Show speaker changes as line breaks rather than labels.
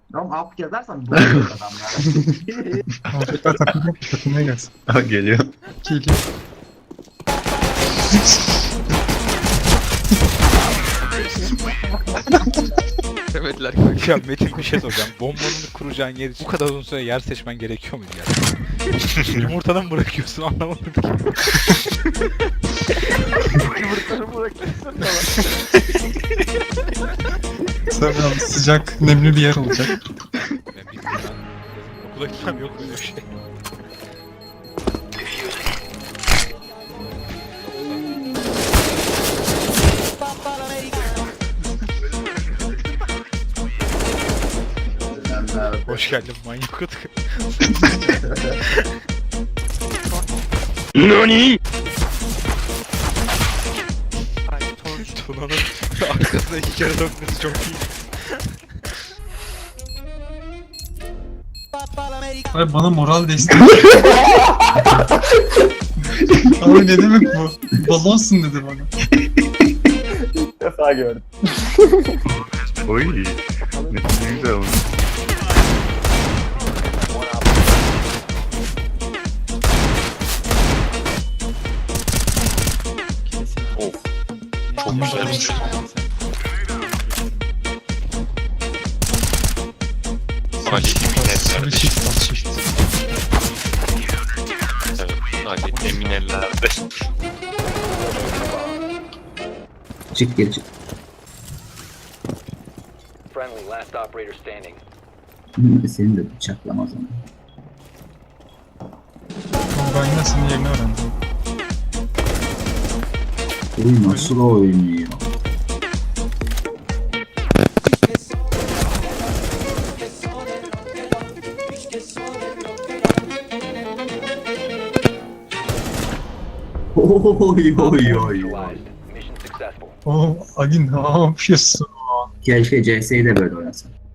Ama up yazarsan doğuyor adamlar.
Tekrar takılmaya gelsin.
Ha geliyor.
Geliyor.
Demediler ki ya Metin bir şey soracağım. Bombanını kuracağın yer için bu kadar uzun süre yer seçmen gerekiyor muydu yani? Yumurtadan mı bırakıyorsun anlamadım ki.
Yumurtaları bırakırsın da
Sonra sıcak, nemli bir yer olacak.
Ben bilmiyorum ben. Okula gitmem yok böyle bir şey. Hoş geldin manyak otuk.
NANI?
Ay torç.
Tuna'nın arkasına 2 kere dönmesi çok iyi.
Ay bana moral desteği. Abi ne demek bu? Balonsun dedi bana.
İlk defa gördüm.
Oy. Ne güzel olmuş.
Çok güzel bir şey. Ali
Sarı
Eminellerde.
shift bas shift.
Evet, Ali Eminellerde.
Çık geri çık.
Friendly, last operator standing.
Seni de bıçaklamaz onu.
Ben nasıl yerini öğrendim.
Oyun nasıl oynuyor? Oy oy oy.
Neutralized. Mission successful.
Oo Ali ne yapıyorsun?
Keşke CS'yi de böyle oynasın.